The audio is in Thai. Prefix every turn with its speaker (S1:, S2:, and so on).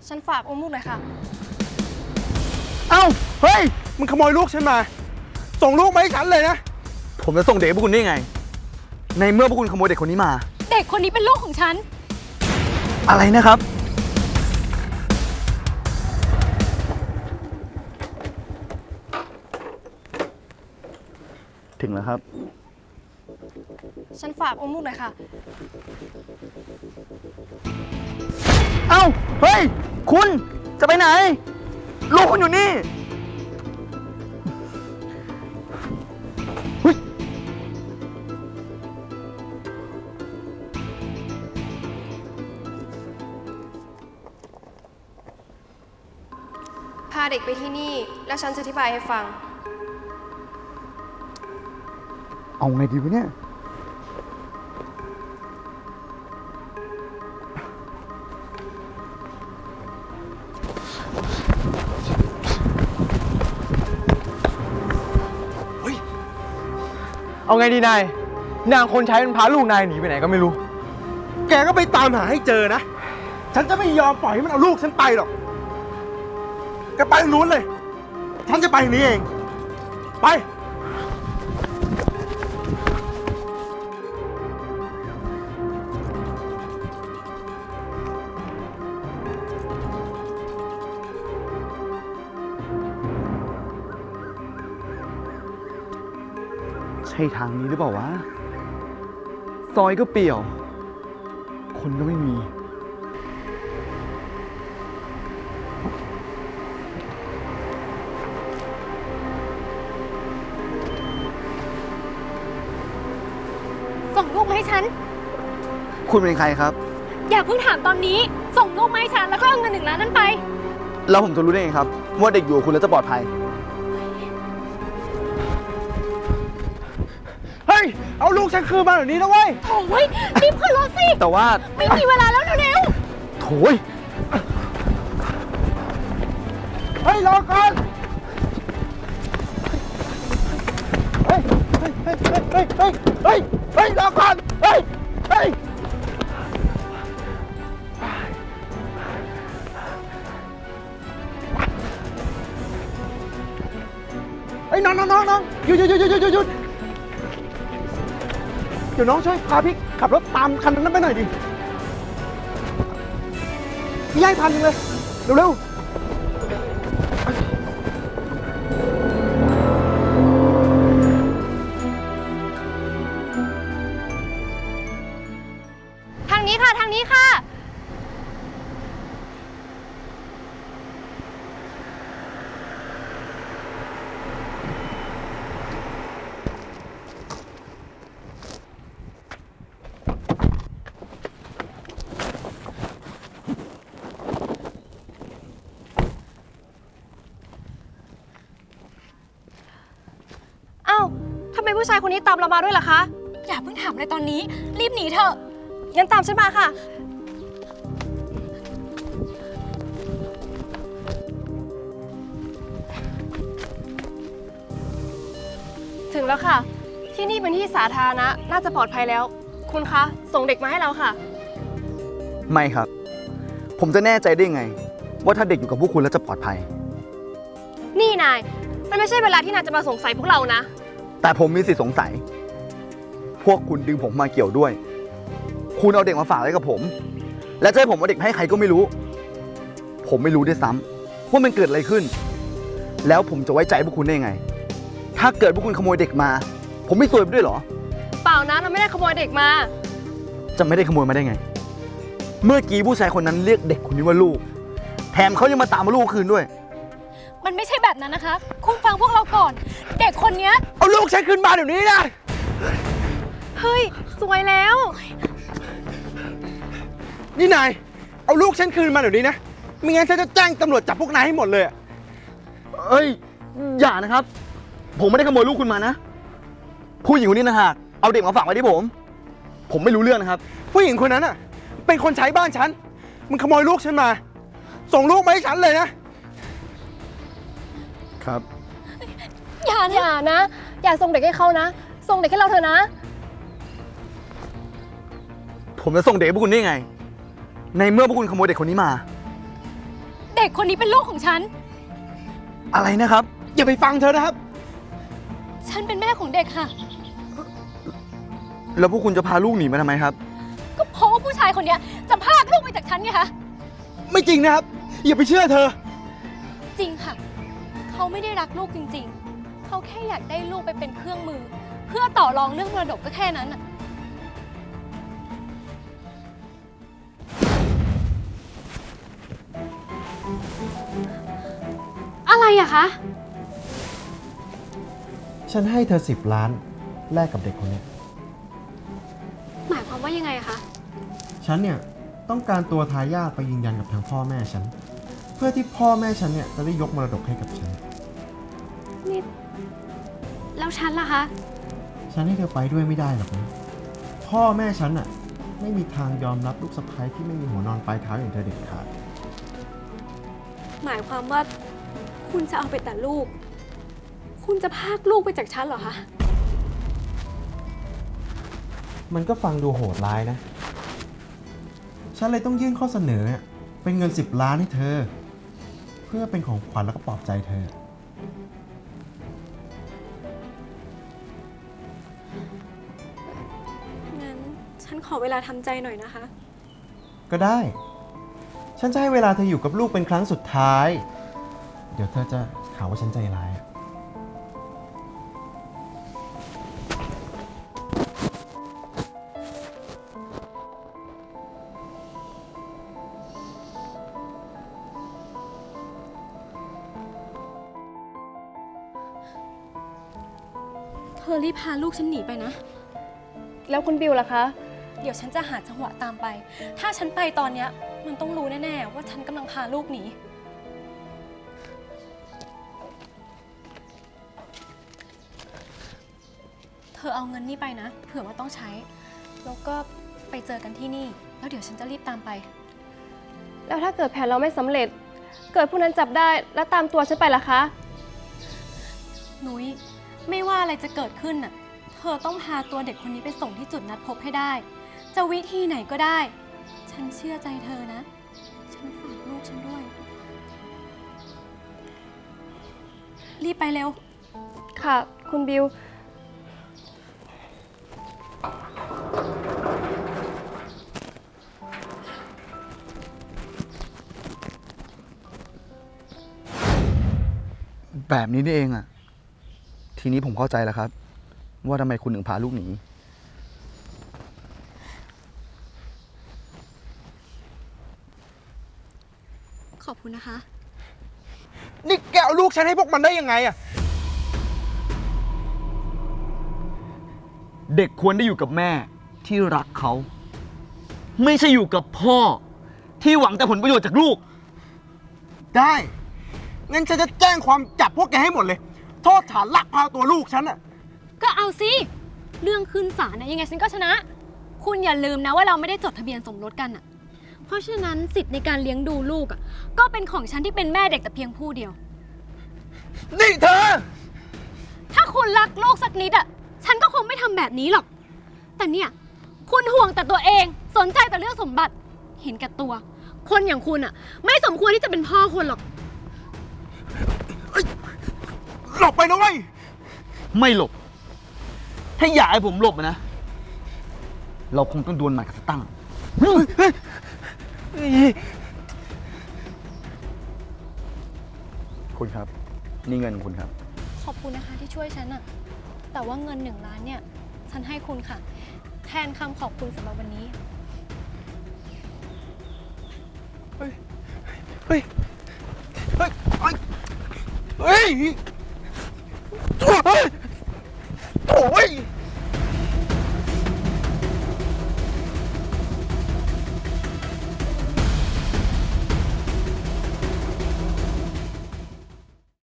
S1: ฉันฝากอุ้มลูกหน่อยค่ะ
S2: เอ้าเฮ้ยมึงขโมยลูกฉันมาส่งลูกมาให้ฉันเลยนะผมจะส่งเด็กให้พวกคุณได้ไงในเมื่อพวกคุณขโมยเด็กคนนี้มา
S1: เด็กคนนี้เป็นลูกของฉัน
S2: อะไรนะครับถึงแล้วครับ
S1: ฉันฝากอุ้มลูกหน่อยค่ะ
S2: เอ้าเฮ้ยคุณจะไปไหนลูกคุณอยู่นี่
S1: พาเด็กไปที่นี่แล้วฉันจะอธิบายให้ฟัง
S2: เอาไงดีวะเนี่ย
S3: เอาไงดีนายนางคนใช้มันพาลูกนายหนีไปไหนก็ไม่รู้
S2: แกก็ไปตามหาให้เจอนะฉันจะไม่ยอมปล่อยให้มันเอาลูกฉันไปหรอกแกไปทางนู้นเลยฉันจะไปทางนี้เองไปใช่ทางนี้หรือเปล่าวะซอยก็เปี่ยวคนก็ไม่มี
S1: ส่งลูกมาให้ฉัน
S2: คุณเป็นใครครับ
S1: อย่าเพิ่งถามตอนนี้ส่งลูกมาให้ฉันแล้วก็เอาเงิน1 ล้านนั้นไป
S2: แล้วผมจะรู้ได้ไงครับว่าเด็กอยู่กับคุณแล้วจะปลอดภัยเฮ้ยเอาลูกฉันคืนมาแบบนี้นะเว้ย
S1: โอ้ยรีบขึ้นรถสิ
S2: แต่ว่า
S1: ไม่มีเวลาแล้วเร็ว
S2: โถ่เฮ้ยรอก่อนเฮ้ยรอก่อนเฮ้ยน้องหยุดเดี๋ยวน้องช่วยพาพี่ขับรถตามคันนั้นไปหน่อยดิพี่ให้1,000เลยเร็ว
S1: ทางนี้ค่ะทางนี้ค่ะอ้าวทำไมผู้ชายคนนี้ตามเรามาด้วยล่ะคะอย่าเพิ่งถามเลยตอนนี้รีบหนีเถอะงั้นตามฉันมาค่ะถึงแล้วค่ะที่นี่เป็นที่สาธารณะน่าจะปลอดภัยแล้วคุณคะส่งเด็กมาให้เราค่ะ
S2: ไม่ครับผมจะแน่ใจได้ไงว่าถ้าเด็กอยู่กับพวกคุณแล้วจะปลอดภัย
S1: นี่นายมันไม่ใช่เวลาที่นายจะมาสงสัยพวกเรานะ
S2: แต่ผมมีสิทธิ์สงสัยพวกคุณดึงผมมาเกี่ยวด้วยคุณเอาเด็กมาฝากไว้กับผมและจะให้ผมเอาเด็กให้ใครก็ไม่รู้ผมไม่รู้ด้วยซ้ำว่ามันเกิดอะไรขึ้นแล้วผมจะไว้ใจพวกคุณได้ไงถ้าเกิดพวกคุณขโมยเด็กมาผมไม่ซวยไปด้วยเหรอ
S1: เปล่านะเราไม่ได้ขโมยเด็กมา
S2: จะไม่ได้ขโมยมาได้ไงเมื่อกี้ผู้ชายคนนั้นเรียกเด็กคนนี้ว่าลูกแถมเขายังมาตามมาลูกคืนด้วย
S1: มันไม่ใช่แบบนั้นนะคะคุณฟังพวกเราก่อนเด็กคนนี้
S2: เอาลูกฉันคืนมาเดี๋ยวนี้นะ
S1: เฮ้ยสวยแล้ว
S2: นี่นายเอาลูกฉันคืนมาเดี๋ยวนี้นะไม่งั้นฉันจะแจ้งตำรวจจับพวกนายให้หมดเลยเอ้ยอย่านะครับผมไม่ได้ขโมยลูกคุณมานะผู้หญิงคนนี้นะฮะเอาเด็กมาฝากไว้ที่ผมไม่รู้เรื่องนะครับผู้หญิงคนนั้นอ่ะเป็นคนใช้บ้านฉันมันขโมยลูกฉันมาส่งลูกมาให้ฉันเลยนะครับ
S1: อย่านะอย่าส่งเด็กให้เขานะส่งเด็กให้เราเถอะนะ
S2: ผมจะส่งเด็กให้พวกคุณได้ไงในเมื่อพวกคุณขโมยเด็กคนนี้มา
S1: เด็กคนนี้เป็นลูกของฉัน
S2: อะไรนะครับ อย่าไปฟังเธอนะครับ
S1: ฉันเป็นแม่ของเด็กค่ะ
S2: แล้วพวกคุณจะพาลูกหนีมาทำไมครับ
S1: ก็เพราะว่าผู้ชายคนเนี้ยจะพรากลูกไปจากฉันไงคะ
S2: ไม่จริงนะครับ อย่าไปเชื่อเธอ
S1: จริงค่ะ เขาไม่ได้รักลูกจริงๆ เขาแค่อยากได้ลูกไปเป็นเครื่องมือ เพื่อต่อรองเรื่องมรดกก็แค่นั้นอะอะไรอะคะ
S4: ฉันให้เธอ10 ล้านแลกกับเด็กคนนี้
S1: หมายความว่ายังไงอะคะ
S4: ฉันเนี่ยต้องการตัวทายาทไปยืนยันกับทางพ่อแม่ฉัน เพื่อที่พ่อแม่ฉันเนี่ยจะได้ยกมรดกให้กับฉัน
S1: นี่ แล้วฉันล่ะคะ
S4: ฉันให้เธอไปด้วยไม่ได้หรอกนะพ่อแม่ฉันน่ะไม่มีทางยอมรับลูกสะใภ้ที่ไม่มีหัวนอนปลายเท้าอย่างเธอเด็ดขาด
S1: หมายความว่าคุณจะเอาไปแต่ลูก คุณจะพรากลูกไปจากฉันเหรอคะ
S4: มันก็ฟังดูโหดร้ายนะ ฉันเลยต้องยื่นข้อเสนอเนี่ยเป็นเงิน10 ล้านให้เธอ เพื่อเป็นของขวัญแล้วก็ปลอบใจเธอ
S1: งั้นฉันขอเวลาทำใจหน่อยนะคะ
S4: ก็ได้ ฉันจะให้เวลาเธออยู่กับลูกเป็นครั้งสุดท้าย เดี๋ยวเธอจะหาว่าฉันใจร้ายอะ
S1: เธอรีบพาลูกฉันหนีไปนะ
S5: แล้วคุณบิวล่ะคะ
S1: เดี๋ยวฉันจะหาจังหวะตามไป ถ้าฉันไปตอนเนี้ยมันต้องรู้แน่ๆว่าฉันกำลังพาลูกหนี เธอเอาเงินนี่ไปนะ เผื่อว่าต้องใช้ แล้วก็ไปเจอกันที่นี่ แล้วเดี๋ยวฉันจะรีบตามไป
S5: แล้วถ้าเกิดแผนเราไม่สำเร็จ เกิดผู้นั้นจับได้แล้วตามตัวฉันไปล่ะคะ
S1: นุ้ยไม่ว่าอะไรจะเกิดขึ้นน่ะ เธอต้องพาตัวเด็กคนนี้ไปส่งที่จุดนัดพบให้ได้ จะวิธีไหนก็ได้ ฉันเชื่อใจเธอนะ ฉันฝากลูกฉันด้วย รีบไปเร็ว
S5: ค่ะ คุณบิว
S2: แบบนี้นี่เองอะทีนี้ผมเข้าใจแล้วครับ ว่าทำไมคุณถึงพาลูกหนี
S1: ขอบคุณนะคะ
S2: นี่แกเอาลูกฉันให้พวกมันได้ยังไงอะเด็กควรได้อยู่กับแม่ที่รักเขา ไม่ใช่อยู่กับพ่อที่หวังแต่ผลประโยชน์จากลูก ได้ งั้นฉันจะแจ้งความจับพวกแกให้หมดเลย โทษฐานลักพาตัวลูกฉันอะ
S1: ก็เอาสิ เรื่องขึ้นศาลนะยังไงฉันก็ชนะ คุณอย่าลืมนะว่าเราไม่ได้จดทะเบียนสมรสกันอ่ะ เพราะฉะนั้นสิทธิ์ในการเลี้ยงดูลูกอ่ะก็เป็นของฉันที่เป็นแม่เด็กแต่เพียงผู้เดียว
S2: นี่เธอ
S1: ถ้าคุณรักลูกสักนิดอ่ะฉันก็คงไม่ทำแบบนี้หรอก แต่เนี่ยคุณห่วงแต่ตัวเองสนใจแต่เรื่องสมบัติ เห็นแก่ตัว คนอย่างคุณอ่ะไม่สมควรที่จะเป็นพ่อคนหรอก
S2: หลบไปนะเว้ย ไม่หลบ ถ้าอยากให้ผมหลบนะ เราคงต้องดวลหมัดกับสตั้งคุณครับ นี่เงินคุณครับ
S1: ขอบคุณนะคะที่ช่วยฉันอะแต่ว่าเงิน1 ล้านเนี่ย ฉันให้คุณค่ะ แทนคำขอบคุณสำหรับวันนี้
S2: เฮ้ย เฮ้ย เฮ้ย เฮ้ย โถ่เฮ้ย